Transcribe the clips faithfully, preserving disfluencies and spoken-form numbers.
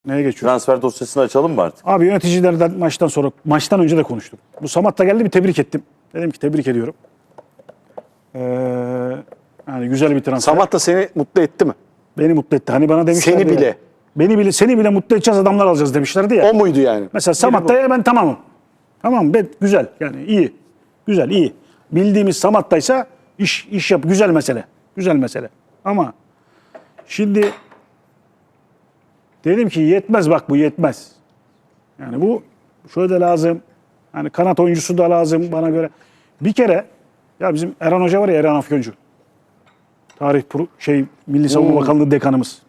Neye geçiyoruz? Transfer dosyasını açalım mı artık? Abi yöneticilerden maçtan sonra, maçtan önce de konuştum. Bu Samat da geldi, bir tebrik ettim. Dedim ki tebrik ediyorum. Ee, yani güzel bir transfer. Samat da seni mutlu etti mi? Beni mutlu etti. Hani bana demişlerdi. Seni ya, bile. Beni bile, seni bile mutlu edeceğiz adamlar alacağız demişlerdi ya. O muydu yani? Mesela Samatta'ya ben tamamım. Tamam, ben güzel yani iyi. Güzel, iyi. Bildiğimiz Samatta'ysa iş iş yap, güzel mesele. Güzel mesele. Ama şimdi dedim ki yetmez, bak bu yetmez. Yani bu şöyle de lazım. Hani kanat oyuncusu da lazım bana göre. Bir kere ya bizim Erhan Hoca var ya, Erhan Afyoncu. Tarih pro- şey Milli Savunma Bakanlığı dekanımız.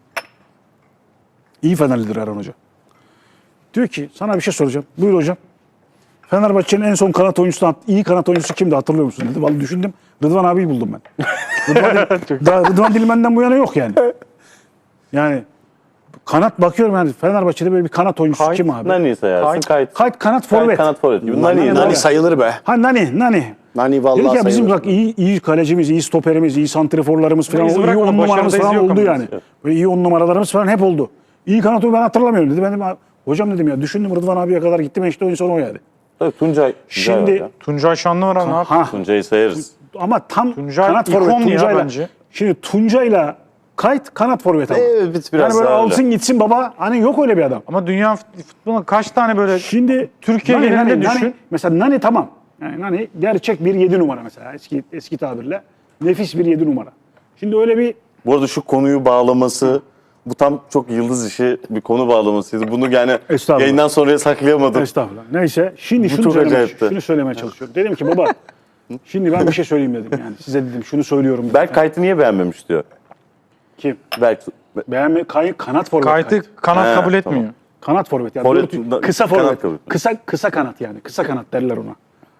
İyi Fenerlidir Erhan Hoca. Diyor ki sana bir şey soracağım. Buyur hocam. Fenerbahçe'nin en son kanat oyuncusu, iyi kanat oyuncusu kimdi hatırlıyor musun dedi. Vallahi düşündüm. Rıdvan abiyi buldum ben. Rıdvan, daha Rıdvan Dilmen'den bu yana yok yani. Yani kanat bakıyorum yani Fenerbahçe'de böyle bir kanat oyuncusu Kayıt, kim abi? Nani sayarsın. Kayıt. Kayıt kanat forvet. Kanat forvet gibi. Nani, Nani, Nani. Nani Nani. sayılır be. Ha Nani, Nani. Nani vallahi Dedik ya bizim sayılır. bak iyi, iyi kalecimiz, iyi stoperimiz, iyi santriforlarımız falan, iz iyi bırakmadı, on numaramız başarıda iz falan yok oldu ama yani. biz. Böyle iyi on numaralarımız falan hep oldu. İyi kanat oyuncu ben hatırlamıyorum dedi. Ben dedim hocam dedim ya düşündüm Rıdvan abiye kadar gittim işte oyun sonu o yani. Tabii Tuncay. Tuncay var Şimdi ya. Tuncay Şanlıvaran ne yaptı? ha Tuncay'ı sayarız. ama tam Tuncay kanat ikon forvet ya Tuncay'la. bence. Şimdi Tuncay'la Kayıt kanat forvet ama. Evet, biz biraz yani böyle daha alsın öyle. gitsin baba, hani yok öyle bir adam. Ama dünya fut- futboluna kaç tane böyle Şimdi Türkiye Nani, genelinde Nani, düşün. Nani, mesela Nani tamam. Yani Nani gerçek bir yedi numara mesela eski eski tabirle. Nefis bir yedi numara. Şimdi öyle bir Bu arada şu konuyu bağlaması, bu tam çok yıldız işi bir konu bağlamasıydı. Bunu yani Estağfurullah. yayından sonraya saklayamadım. estağfurullah. Neyse şimdi şunu çok söylemeye, acayipti. şunu söylemeye çalışıyorum. Dedim ki baba şimdi ben bir şey söyleyeyim dedim yani. Size dedim şunu söylüyorum dedim. Berk Kayıt'ı niye beğenmemiş diyor. Kim? Berk Beğenme kay, kanat forvet. kaydı Kayıt. kanat He, kabul etmiyor. tamam. Kanat forvet yani. Forvet, Doğru- da- kısa kanat forvet. kabul. Kısa kısa kanat yani. Kısa kanat derler ona.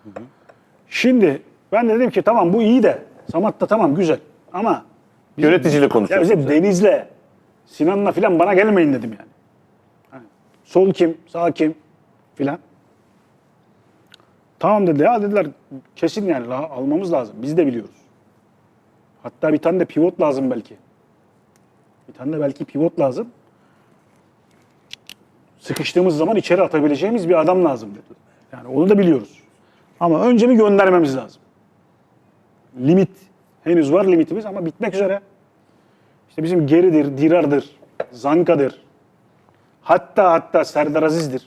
Şimdi ben de dedim ki tamam bu iyi de Samat da tamam güzel ama bizim- Yöneticiyle ya konuşuyoruz. bize Deniz'le Sinan'la filan bana gelmeyin dedim yani. Hani sol kim, sağ kim filan. Tamam dedi ya dediler kesin yani la- almamız lazım. Biz de biliyoruz. Hatta bir tane de pivot lazım belki. Bir tane de belki pivot lazım. Sıkıştığımız zaman içeri atabileceğimiz bir adam lazım dedi. Yani onu da biliyoruz. Ama önce bir göndermemiz lazım. Limit. Henüz var limitimiz ama bitmek üzere. İşte bizim Geri'dir, Dirar'dır, Zanka'dır. Hatta hatta Serdar Aziz'dir.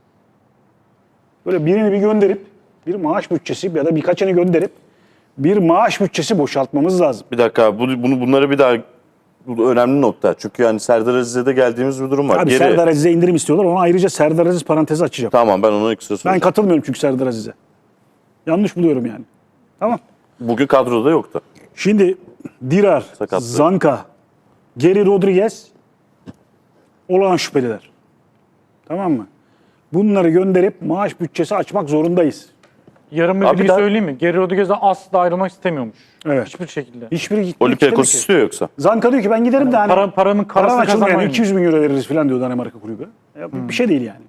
Böyle birini bir gönderip bir maaş bütçesi ya da birkaçını gönderip bir maaş bütçesi boşaltmamız lazım. Bir dakika bu, bunu bunları bir daha bu önemli nokta. Çünkü yani Serdar Aziz'e de geldiğimiz bir durum var. Abi Geri- Serdar Aziz'e indirim istiyorlar. Ona ayrıca Serdar Aziz parantezi açacağım. Tamam ben onu ekstra Ben soracağım. katılmıyorum çünkü Serdar Aziz'e. Yanlış buluyorum yani. Tamam. Bugün kadroda yoktu. Şimdi Dirar, Sakatlığı. Zanka, Geri Rodriguez olağan şüpheliler. Tamam mı? Bunları gönderip maaş bütçesi açmak zorundayız. Yarın bir Abi bilgi daha- söyleyeyim mi? Geri Rodriguez'den asla ayrılmak istemiyormuş. Evet. Hiçbir şekilde. Hiçbiri gitmek Olympiakos istemedi ki. istiyor yoksa. Zanka diyor ki ben giderim de hani Para- paramın param karasını açılmıyor yani kazanmayın. iki yüz bin euro veririz falan diyor Danimarka kulübü. Ya bu bir şey değil yani.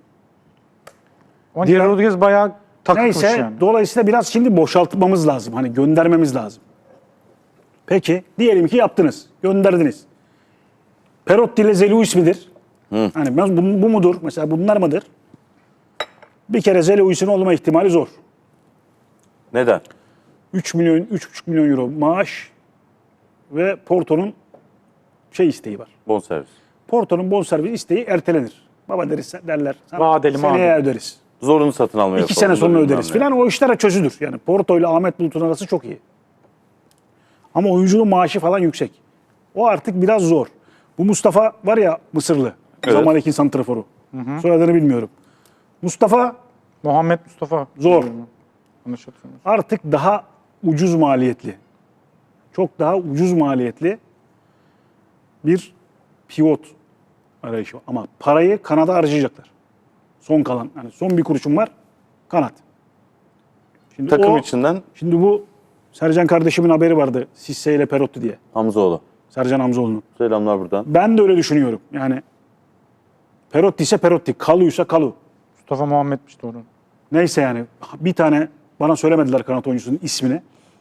Ama Diğer- Geri Rodriguez bayağı takılmış Neyse yani. dolayısıyla biraz şimdi boşaltmamız lazım. Hani göndermemiz lazım. Peki diyelim ki yaptınız. Gönderdiniz. Perotti ile Zelou ismidir. Hani ben- bu, bu mudur? Mesela bunlar mıdır? Bir kere Zelou'sun olma ihtimali zor. Neden? üç milyon, üç buçuk milyon euro maaş ve Porto'nun şey isteği var. Bonservis. Porto'nun bonservis isteği ertelenir. Baba deriz derler. Sana Vadeli, seneye madeli. öderiz. Zorunlu satın almaya İki sene sonra öderiz falan. filan. O işlere çözülür. Yani Porto ile Ahmet Bulut'un arası çok iyi. Ama oyuncunun maaşı falan yüksek. O artık biraz zor. Bu Mustafa var ya Mısırlı. Evet. Zamalek'in santraforu. Soyadını bilmiyorum. Mustafa Muhammed Mustafa. zor. Yanlış hatırlamıyorum. Artık daha ucuz maliyetli. Çok daha ucuz maliyetli bir pivot arayışı var. Ama parayı kanada harcayacaklar. Son kalan. Yani son bir kuruşum var. Kanat. Şimdi Takım o- içinden Şimdi bu Sercan kardeşimin haberi vardı. Sisse ile Perotti diye. Hamzoğlu. Sercan Hamzoğlu'nun. Selamlar buradan. Ben de öyle düşünüyorum. Yani Perotti ise Perotti, Kalu'ysa Kalu. Mustafa Muhammed'miş doğru. Neyse yani bir tane bana söylemediler kanat oyuncusunun ismini.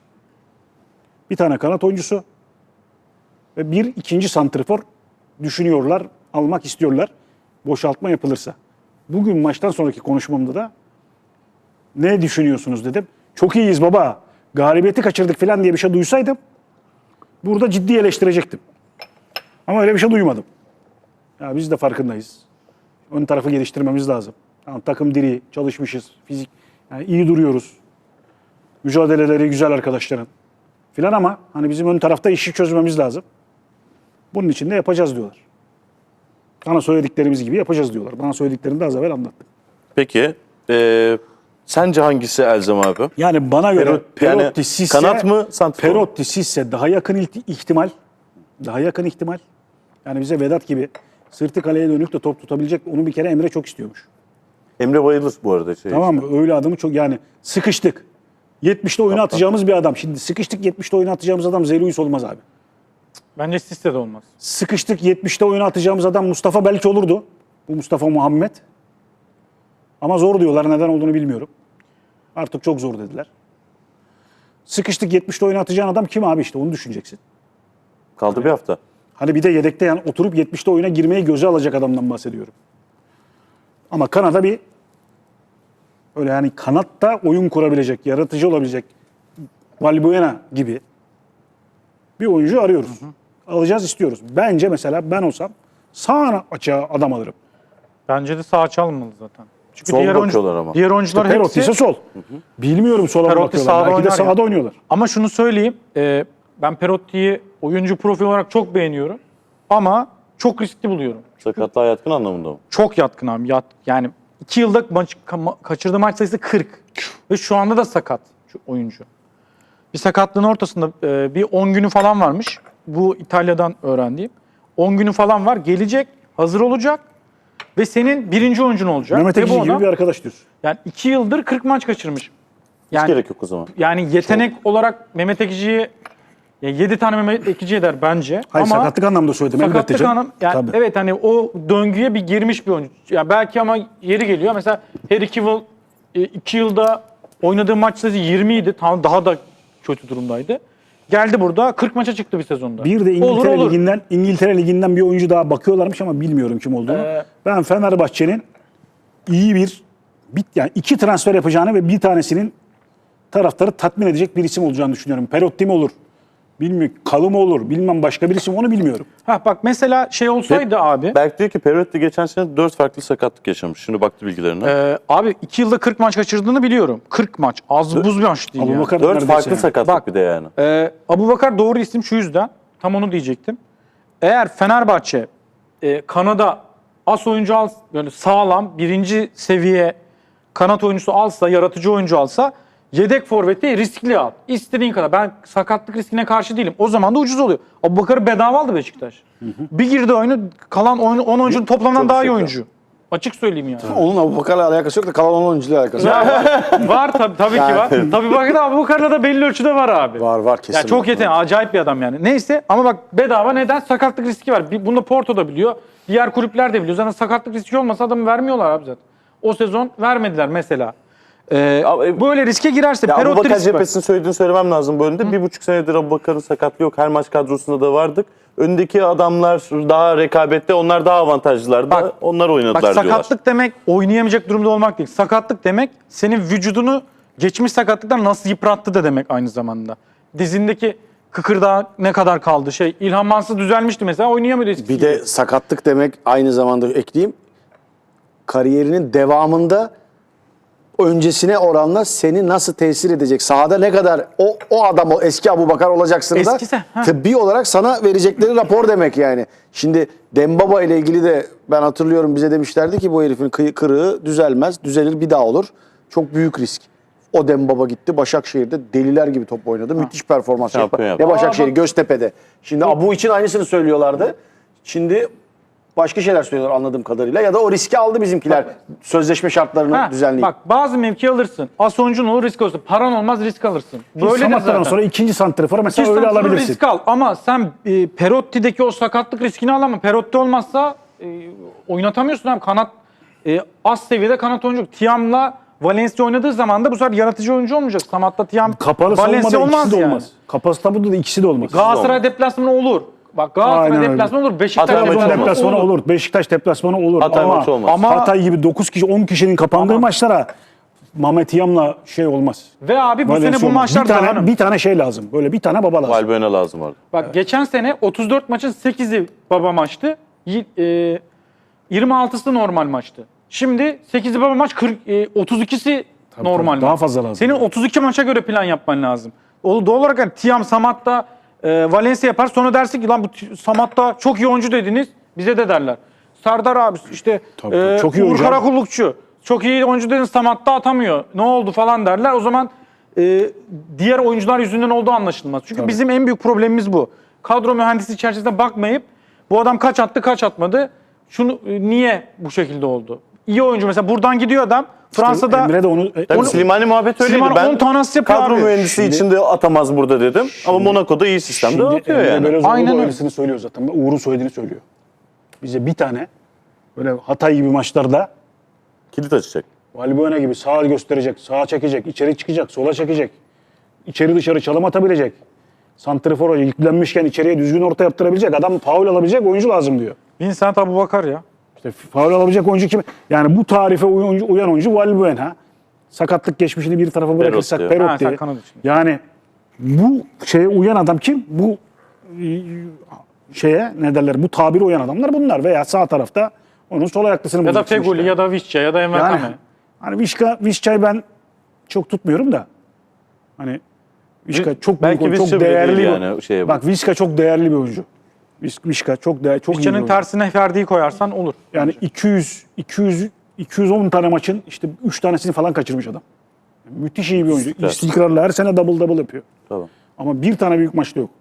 Bir tane kanat oyuncusu ve bir ikinci santrifor düşünüyorlar, almak istiyorlar. boşaltma yapılırsa. Bugün maçtan sonraki konuşmamda da ne düşünüyorsunuz dedim. Çok iyiyiz baba. Galibiyeti kaçırdık falan diye bir şey duysaydım burada ciddi eleştirecektim. Ama öyle bir şey duymadım. Ya biz de farkındayız. Ön tarafı geliştirmemiz lazım. Tamam, takım diri, çalışmışız, fizik yani iyi duruyoruz. Mücadeleleri güzel arkadaşların filan ama hani bizim ön tarafta işi çözmemiz lazım. Bunun için de yapacağız diyorlar. Bana söylediklerimiz gibi yapacağız diyorlar. Bana söylediklerini de az evvel anlattım. Peki e, sence hangisi Elzem abi? Yani bana göre Perot- Perotti, yani Sisse, kanat mı, santrfor mu? Perotti, Sisse daha yakın ilti- ihtimal. Daha yakın ihtimal. Yani bize Vedat gibi sırtı kaleye dönük de top tutabilecek. Onu bir kere Emre çok istiyormuş. Emre bayılır bu arada. Şey Tamam mı? Öyle adamı çok yani sıkıştık. yetmişte oyuna atacağımız bir adam. Şimdi sıkıştık yetmişte oyuna atacağımız adam Zeluyus olmaz abi. Bence Sisse de olmaz. Sıkıştık yetmişte oyuna atacağımız adam Mustafa belki olurdu. Bu Mustafa Muhammed. Ama zor diyorlar. Neden olduğunu bilmiyorum. Artık çok zor dediler. Sıkıştık yetmişte oyuna atacağın adam kim abi işte onu düşüneceksin. Kaldı bir hafta. Hani bir de yedekte yani oturup yetmişte oyuna girmeyi göze alacak adamdan bahsediyorum. Ama Kanada bir öyle yani kanatta oyun kurabilecek, yaratıcı olabilecek Valbuena gibi bir oyuncu arıyoruz. Alacağız istiyoruz. Bence mesela ben olsam sağ açığa adam alırım. Bence de sağ çalmalı zaten. Çünkü Sol diğer, bakıyorlar oyuncu, ama. diğer oyuncular Perotti ise hepsi... sol. Bilmiyorum sola mı Perotti bakıyorlar. sağda Belki de oynar sağda ya. oynuyorlar. Ama şunu söyleyeyim. e, ben Perotti'yi oyuncu profil olarak çok beğeniyorum. Ama çok riskli buluyorum. Sakatlığa yatkın anlamında mı? Çok yatkın abi. Yat, yani iki yılda maç, ka- kaçırdığı maç sayısı kırk. Ve şu anda da sakat şu oyuncu. Bir sakatlığın ortasında e, bir on günü falan varmış. Bu İtalya'dan öğrendiğim. on günü falan var. Gelecek, hazır olacak. Ve senin birinci oyuncun olacak. Mehmet Ve Ekici bu gibi adam bir arkadaş diyorsun. yani iki yıldır kırk maç kaçırmış. Hiç Yani gerek yok o zaman. yani yetenek olarak Mehmet Ekici'yi yedi tane Mehmet Ekici eder bence. Hayır ama sakatlık anlamda söyledim. elbette sakatlık canım. anlam yani Tabii. evet hani o döngüye bir girmiş bir oyuncu. Ya belki ama yeri geliyor. Mesela Harry Kewell e, iki yılda oynadığı maç sayısı yirmi idi. Tam daha da kötü durumdaydı. Geldi burada kırk maça çıktı bir sezonda. Bir de İngiltere Olur, olur. Ligi'nden İngiltere Ligi'nden bir oyuncu daha bakıyorlarmış ama bilmiyorum kim olduğunu. Ee, ben Fenerbahçe'nin iyi bir bit yani iki transfer yapacağını ve bir tanesinin taraftarı tatmin edecek bir isim olacağını düşünüyorum. Perotti mi olur? Bilmiyorum. Kalı mı olur? Bilmem başka bir isim onu bilmiyorum. Ha bak mesela şey olsaydı abi. Berk diyor ki Perotti geçen sene dört farklı sakatlık yaşamış. Şimdi baktı bilgilerine. e, abi iki yılda kırk maç kaçırdığını biliyorum. kırk maç. Az buz bir maç değil yani. Abubakar dört neredeyse farklı yani. sakatlık Bak. bir de yani. Ee, Abubakar doğru isim şu yüzden. Tam onu diyecektim. Eğer Fenerbahçe e, Kanada as oyuncu al, böyle sağlam birinci seviye kanat oyuncusu alsa, yaratıcı oyuncu alsa yedek forveti riskli al. İstediğin kadar. Ben sakatlık riskine karşı değilim. O zaman da ucuz oluyor. Abubakar'ı bedava aldı Beşiktaş. Bir girdi oyunu kalan oyunu on oyuncunun toplamından Çok daha iyi şaka. oyuncu. Açık söyleyeyim yani. Onun Abubakar'la alakası yok da kalan on oyuncuyla alakası var. Ya var, var tabii, tabii ki var. Tabii bakın Abubakar'la da belli ölçüde var abi. Var var kesin. Ya çok var. yetenekli, acayip bir adam yani. Neyse ama bak bedava neden? Sakatlık riski var. Bir- Bunu Porto da biliyor. Diğer kulüpler de biliyor. Zaten sakatlık riski olmasa adamı vermiyorlar abi zaten. O sezon vermediler mesela. Ee, Abi- böyle riske girerse Ya Perotti Abubakar riski var. cephesini söylediğini söylemem lazım bu bölümde. Bir buçuk senedir Abubakar'ın sakatlığı yok. Her maç kadrosunda da vardık. Öndeki adamlar daha rekabette, onlar daha avantajlılardı. Bak- onlar oynadılar Bak diyorlar. sakatlık demek oynayamayacak durumda olmak değil. Sakatlık demek senin vücudunu geçmiş sakatlıktan nasıl yıprattı da demek aynı zamanda. Dizindeki kıkırdağı ne kadar kaldı şey. İlhan Mansız düzelmişti mesela oynayamıyordu eskisi Bir de sakatlık demek aynı zamanda ekleyeyim. Kariyerinin devamında öncesine oranla seni nasıl tesir edecek? Sahada ne kadar o o adam o eski Abubakar olacaksın da Eskisi, ha. tıbbi olarak sana verecekleri rapor demek yani. Şimdi Dembaba ile ilgili de ben hatırlıyorum bize demişlerdi ki bu herifin kıyı- kırığı düzelmez, düzelir bir daha olur. Çok büyük risk. O Dembaba gitti Başakşehir'de deliler gibi top oynadı. Müthiş performans Şampiyon yaptı. yaptı. Ne Başakşehir, Aa, bak- Göztepe'de. Şimdi Abu için aynısını söylüyorlardı. Şimdi başka şeyler söylüyorlar anladığım kadarıyla. Ya da o riski aldı bizimkiler. Sözleşme şartlarını Ha, düzenleyip. bak bazı mevki alırsın. As oyuncun olur risk olursun. Paran olmaz risk alırsın. Böyle de Samatta'dan zaten. sonra ikinci santrafora mesela İki öyle santrafor alabilirsin. risk al ama sen e, Perotti'deki o sakatlık riskini al ama Perotti olmazsa e, oynatamıyorsun abi. Kanat e, az seviyede kanat oyuncu. Tiam'la Valencia oynadığı zaman da bu sefer yaratıcı oyuncu olmayacak. Samatta Tiam Kapalı Valencia savunmada olmaz ikisi de yani. olmaz. Kapalı savunmada da ikisi de olmaz. Galatasaray deplasmanı olur. Bak Galatasaray Aynen öyle. deplasmanı olur. Beşiktaş Hatay Trabzon maçı deplasmanı olur. olur. Beşiktaş deplasmanı olur. Hatay ama, maçı olmaz. Ama- Hatay gibi dokuz kişi on kişinin kapandığı Ama- maçlara Mehmet Yam'la şey olmaz. Ve abi bu Valencia sene bu olmaz. maçlar bir tane, dağınık. bir tane şey lazım. Böyle bir tane baba lazım. Valbuena lazım orada. Bak geçen sene otuz dört maçın sekizi baba maçtı. Y- e, yirmi altısı normal maçtı. Şimdi sekizi baba maç, kırk, e, otuz ikisi normal tabii, daha maç. fazla lazım. Senin otuz iki maça göre plan yapman lazım. O doğal olarak yani Tiam, Samat'ta e, Valencia yapar. Sonra dersin ki lan bu Ti- Samat'ta çok iyi oyuncu dediniz. Bize de derler. Serdar abi işte Tabii, e, tabii. Çok iyi Uğur oyuncu. Karakullukçu. Çok iyi oyuncu dediniz, Samat'ta atamıyor. Ne oldu falan derler. O zaman e, diğer oyuncular yüzünden olduğu anlaşılmaz. Çünkü Tabii. bizim en büyük problemimiz bu. Kadro mühendisi çerçevesinde bakmayıp bu adam kaç attı kaç atmadı. Şunu e, niye bu şekilde oldu? İyi oyuncu mesela buradan gidiyor adam. Fransa'da Emre de onu... Tabii Onu- Slimani muhabbet öyleydi. Slimani Ben on tane asist yapıyor kadro abi. mühendisi Şimdi- içinde atamaz burada dedim. Ama Monaco'da iyi sistemde Şimdi atıyor Emre yani. Belözoğlu Aynen da öyle. öylesini söylüyor zaten. Uğur'un söylediğini söylüyor. Bize bir tane böyle Hatay gibi maçlarda Kilit açacak. Valbuena gibi sağa gösterecek, sağa çekecek, içeri çıkacak, sola çekecek. İçeri dışarı çalım atabilecek. Santrifor yüklenmişken içeriye düzgün orta yaptırabilecek. Adam faul alabilecek oyuncu lazım diyor. Vincent Abubakar ya. İşte faul alabilecek oyuncu kim? Yani bu tarife uyan, uyan oyuncu Valbuena. Sakatlık geçmişini bir tarafa bırakırsak diyor. Perot Ha, sen diye. kanat için. Yani bu şeye uyan adam kim? Bu e, şeye ne derler? Bu tabiri uyan adamlar bunlar. Veya sağ tarafta onun sol ayaklısını Ya da bulacaksın Feguli işte. ya da Visca ya da Yani Envakame. hani Vişka, Vişça'yı ben çok tutmuyorum da. Hani Vişka çok Belki büyük, Visca çok bile değerli değil bir. yani şeye Bak Vişka çok değerli bir oyuncu. Viş- Vişka çok değerli, çok iyi bir Visca'nın oyuncu. tersine Ferdi'yi koyarsan olur. Yani iki yüz iki yüz iki yüz on tane maçın işte üç tanesini falan kaçırmış adam. Müthiş iyi bir oyuncu. İstikrar. İstikrarlı her sene double double yapıyor. Tamam. Ama bir tane büyük maçta yok.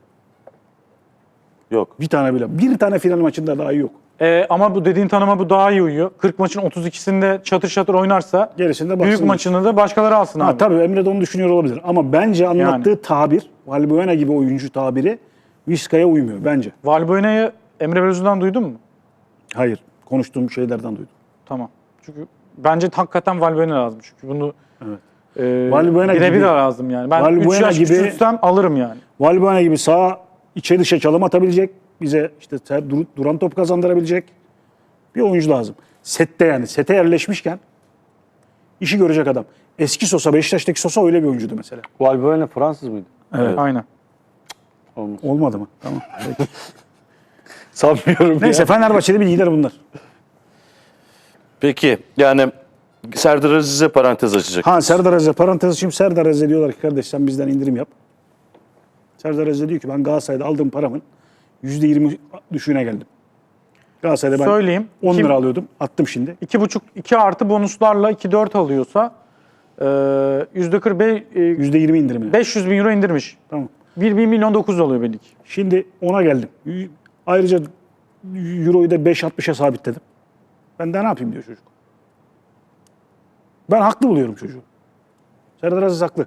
Yok. Bir tane bile. Bir tane final maçında daha iyi yok. Ee, ama bu dediğin tanıma bu daha iyi uyuyor. kırk maçın otuz ikisinde çatır çatır oynarsa Gerisinde baksın. büyük maçını da başkaları alsın Ha, abi. tabii Emre de onu düşünüyor olabilir. Ama bence anlattığı tabir, Valbuena gibi oyuncu tabiri Vişka'ya uymuyor bence. Valbuena'yı Emre Belözoğlu'ndan duydun mu? Hayır. Konuştuğum şeylerden duydum. Tamam. Çünkü bence hakikaten Valbuena lazım. Çünkü bunu Evet. e, Valbuena birebir gibi- lazım yani. Ben üç Valbuena yaş gibi- küçültsem alırım yani. Valbuena gibi sağa içe dışa çalım atabilecek, bize işte ter- dur- duran top kazandırabilecek bir oyuncu lazım. Sette yani, sete yerleşmişken işi görecek adam. Eski Sosa, Beşiktaş'taki Sosa öyle bir oyuncuydu mesela. Valbuena Fransız mıydı? Evet. Aynen. Olmadı mı? Tamam. Peki. Sanmıyorum Neyse Fenerbahçe'de bilgiler bunlar. Peki yani Serdar Aziz'e parantez açacak. Ha Serdar Aziz'e parantez açayım. Serdar Aziz'e diyorlar ki kardeş sen bizden indirim yap. Serdar Aziz diyor ki ben Galatasaray'da aldığım paramın yüzde yirmi düşüğüne geldim. Galatasaray'da ben Söyleyeyim. on Kim- lira alıyordum. Attım şimdi. iki buçuk iki artı bonuslarla iki dört alıyorsa e, yüzde kırk beş, e, yüzde yirmi indirimine. beş yüz bin euro indirmiş. Tamam. bir milyon dokuz oluyor belli ki. Şimdi ona geldim. Y- Ayrıca Euro'yu da beş altmışa sabitledim. Ben daha ne yapayım diyor çocuk. Ben haklı buluyorum çocuğu. Serdar Aziz haklı.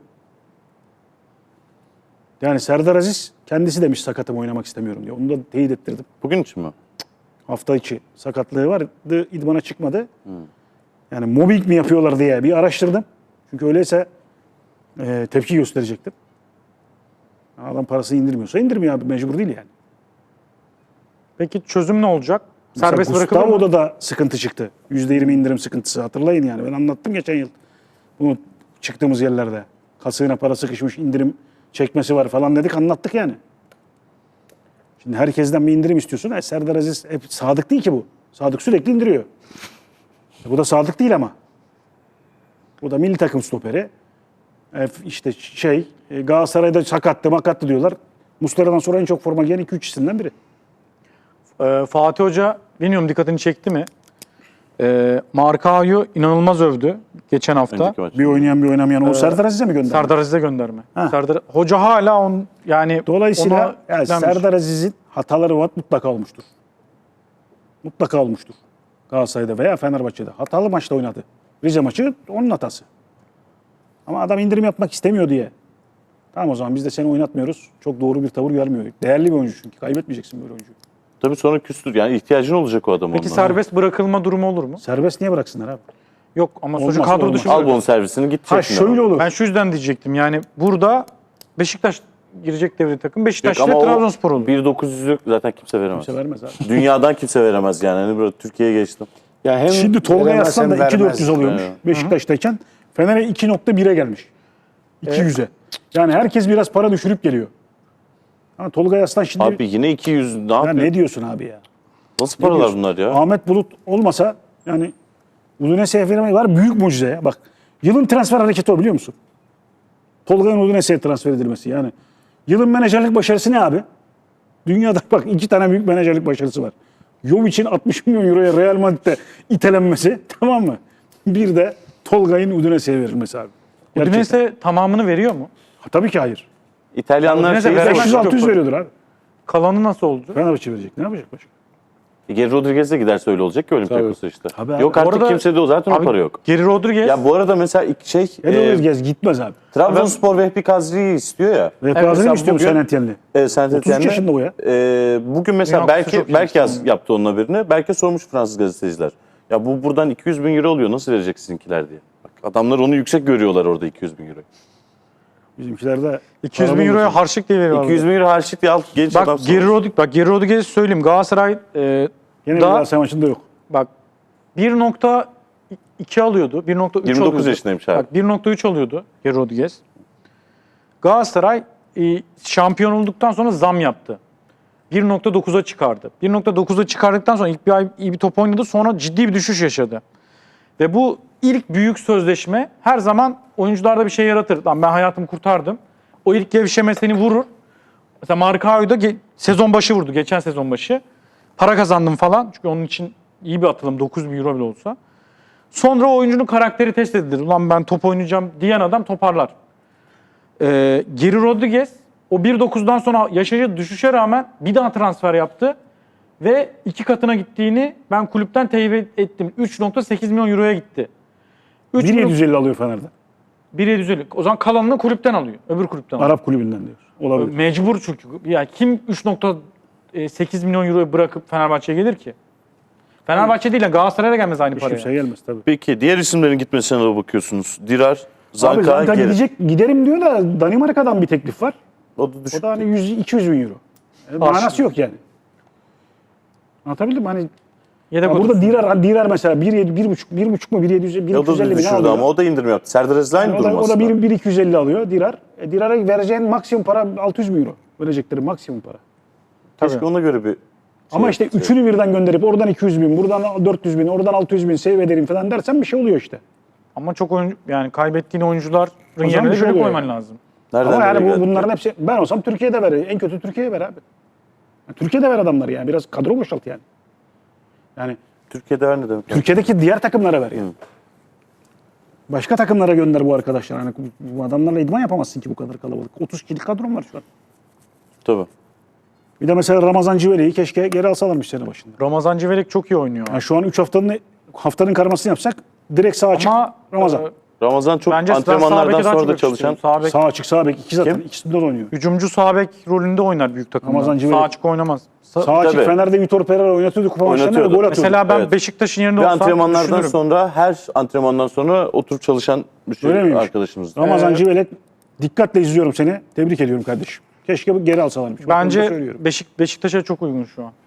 Yani Serdar Aziz kendisi demiş sakatım oynamak istemiyorum diye. Onu da teyit ettirdim. Bugün için mi? Hafta içi sakatlığı vardı. İdmana çıkmadı. Yani mobbing mi yapıyorlar diye bir araştırdım. Çünkü öyleyse e, tepki gösterecektim. Adam parasını indirmiyorsa indirmiyor abi. Mecbur değil yani. Peki çözüm ne olacak? Mesela Serbest bırakılır mı? Gustavo'da da sıkıntı çıktı. yüzde yirmi indirim sıkıntısı. Hatırlayın yani. Ben anlattım geçen yıl. Bunu çıktığımız yerlerde. Kasığına para sıkışmış indirim çekmesi var falan dedik anlattık yani. Şimdi herkesten bir indirim istiyorsun. E, Serdar Aziz hep sadık değil ki bu. Sadık sürekli indiriyor. E, bu da sadık değil ama. Bu da milli takım stoperi. E, işte şey e, Galatasaray'da sakattı makattı diyorlar. Muslera'dan sonra en çok forma giyen iki üç isimden biri. Ee, Fatih Hoca bilmiyorum dikkatini çekti mi? Ee, Markao'yu inanılmaz övdü geçen hafta. Önceki maç. Bir oynayan bir oynamayan o Serdar Aziz'e mi gönderdi? Serdar Aziz'e gönderme. Ha. Serdar Hoca hala on yani Dolayısıyla ona yani yüklenmiş. Serdar Aziz'in hataları var mutlaka olmuştur. Mutlaka olmuştur. Galatasaray'da veya Fenerbahçe'de. Hatalı maçta oynadı. Rize maçı onun hatası. Ama adam indirim yapmak istemiyor diye. Tamam o zaman biz de seni oynatmıyoruz. Çok doğru bir tavır vermiyor. Değerli bir oyuncu çünkü. Kaybetmeyeceksin böyle oyuncuyu. Tabii sonra küstür. Yani ihtiyacın olacak o adam Peki ondan. serbest bırakılma durumu olur mu? Serbest niye bıraksınlar abi? Yok ama Olmaz, sonuçta kadro olmaz. dışı. Al bon servisini gidecek. Ha şöyle olur. Ben şu yüzden diyecektim yani burada Beşiktaş girecek devre takım. Beşiktaş Yok ile ama o Trabzonspor olur. bir dokuz yüzlük zaten kimse veremez. Kimse vermez abi. Dünyadan kimse veremez yani. Hani böyle Türkiye'ye geçtim. Ya hem Şimdi Tolga veremez Yaslan hem da iki bin dört yüz vermez. alıyormuş Evet. Beşiktaş'tayken. Fener'e iki nokta bire gelmiş. iki yüze. Yani herkes biraz para düşürüp geliyor. Ha, Tolga Yaslan şimdi... Abi yine iki yüz ne ya yapıyor? ne diyorsun abi ya? Nasıl Ne paralar diyorsun? bunlar ya? Ahmet Bulut olmasa yani Udinese'ye vermeyi var. Büyük mucize. Bak yılın transfer hareketi o biliyor musun? Tolga'nın Udinese'ye transfer edilmesi. Yani yılın menajerlik başarısı ne abi? Dünyada bak iki tane büyük menajerlik başarısı var. Jovic'in altmış milyon euroya Real Madrid'de itelenmesi tamam mı? Bir de Tolga'nın Udinese'ye verilmesi abi. Gerçekten. Udinese tamamını veriyor mu? Ha, tabii ki hayır. İtalyanlar Udinese şeyi veremez. beş yüz altı yüz Yok. veriyordur abi. Kalanı nasıl oldu? Fenerbahçe verecek. Ne yapacak başka? Geri Rodriguez de giderse öyle olacak ki Olympiakos'a işte. Tabii abi. Yok Bu artık arada- kimsede o zaten o Abi, para yok. Geri Rodriguez. Ya bu arada mesela ilk şey Ne e, e, gez gitmez abi. Trabzonspor Vehbi Kazri'yi istiyor ya. Ve mesela Gazi'nin istiyor bugün- Saint Etienne'li. E, Saint otuz üç Etienne'de, yaşında o ya. e, bugün mesela Dünya Kupası belki çok belki yaz, genç. yaptı onunla birini. Belki sormuş Fransız gazeteciler. Ya bu buradan iki yüz bin euro alıyor. Nasıl verecek sizinkiler diye. Bak, adamlar onu yüksek görüyorlar orada iki yüz bin euro. Bizimkiler de iki yüz bin para euroya bulmuş. harçlık diye veriyorlar. iki yüz bin euro harçlık diye al genç adam. Bak Geri Rodriguez, bak Geri Rodriguez'i söyleyeyim. Galatasaray e, Yine bir da Galatasaray maçında yok. bak bir nokta iki alıyordu. bir nokta üç yirmi dokuz alıyordu. yaşındaymış abi. Bak bir nokta üç alıyordu Geri Rodriguez. Galatasaray e, şampiyon olduktan sonra zam yaptı. bir nokta dokuza çıkardı. bir nokta dokuza çıkardıktan sonra ilk bir ay iyi bir top oynadı. Sonra ciddi bir düşüş yaşadı. Ve bu ilk büyük sözleşme her zaman oyuncularda bir şey yaratır. Lan ben hayatımı kurtardım. O ilk gevşeme seni vurur. Mesela Markao'yu da ge- sezon başı vurdu. Geçen sezon başı. Para kazandım falan. Çünkü onun için iyi bir atılım. dokuz bin euro bile olsa. Sonra o oyuncunun karakteri test edilir. Ulan ben top oynayacağım diyen adam toparlar. Ee, Geri Rodriguez o bir dokuzdan sonra yaşadığı düşüşe rağmen bir daha transfer yaptı. Ve iki katına gittiğini ben kulüpten teyit ettim. üç nokta sekiz milyon euroya gitti. üç bin milyon- yedi yüz elli alıyor Fener'de. bir bin yedi yüz elli. O zaman kalanını kulüpten alıyor. Öbür kulüpten alıyor. Arap kulübünden diyor. Olabilir. Mecbur çünkü. Yani kim üç nokta sekiz milyon euroyu bırakıp Fenerbahçe'ye gelir ki? Fenerbahçe değil, Galatasaray'a da gelmez aynı Hiç paraya. kimse gelmez tabii. Peki diğer isimlerin gitmesine de bakıyorsunuz. Dirar, Abi Zanka, zaten Geri. gidecek, giderim diyor da Danimarka'dan bir teklif var. O da düşük. O da hani yüz iki yüz bin euro. E, manası yok yani. Anlatabildim mi? Hani Yedek ya burada otursun. Dirar, Dirar mesela bir yedi, bir buçuk, bir buçuk mu bir yedi yüz, bir O iki yüz da elli bin düşürdü alıyor. ama o da indirim yaptı. Serdar Aziz aynı o da, durum o da aslında. bir, bir iki yüz elli alıyor Dirar. E, Dirar'a vereceğin maksimum para altı yüz bin euro. Verecekleri maksimum para. Keşke ona göre bir Ama şey işte yapsa. üçünü birden gönderip oradan iki yüz bin, buradan dört yüz bin, oradan altı yüz bin save ederim falan dersen bir şey oluyor işte. Ama çok oyuncu, yani kaybettiğin oyuncuların zaman yerine bir de şey göre oluyor koyman yani. lazım. Nereden Ama yani nereye bu, geldi? bunların hepsi ben olsam Türkiye'de ver. En kötü Türkiye'ye ver abi. Yani Türkiye'de ver adamları yani. Biraz kadro boşalt yani. Yani Türkiye'de ver ne demek? Türkiye'deki diğer takımlara ver yani. Başka takımlara gönder bu arkadaşlar. Hani bu adamlarla idman yapamazsın ki bu kadar kalabalık. otuz kişilik kadron var şu an. Tabii. Bir de mesela Ramazan Civeli'yi keşke geri alsalarmış sene başında. Ramazan Civelek çok iyi oynuyor. Yani şu an üç haftanın haftanın karmasını yapsak direkt sağ açık Ama Ramazan. e, Ramazan çok bence sağ antrenmanlardan beke daha sonra çok da çalışan. yakıştırıyor. Sağ bek, Sağ açık sağ bek iki zaten. Kim? İkisinde de oynuyor. hücumcu sağ bek rolünde oynar büyük takımda. Ramazan Civelek. Sağ açık oynamaz. Sa- Sağ açık Tabii. Fener'de Vitor Pereira oynatıyordu kupa maçlarında ve Oynatıyordu. gol atıyordu. Mesela ben Evet. Beşiktaş'ın yerinde Ve olsam antrenmanlardan düşünürüm. sonra her antrenmandan sonra oturup çalışan bir şey Öyle miymiş? arkadaşımız. Ramazan Ee, Civelek dikkatle izliyorum seni. Tebrik ediyorum kardeşim. Keşke bu geri alsalarmış. Bak, bunu da Bence söylüyorum. Beşik, Beşiktaş'a çok uygun şu an.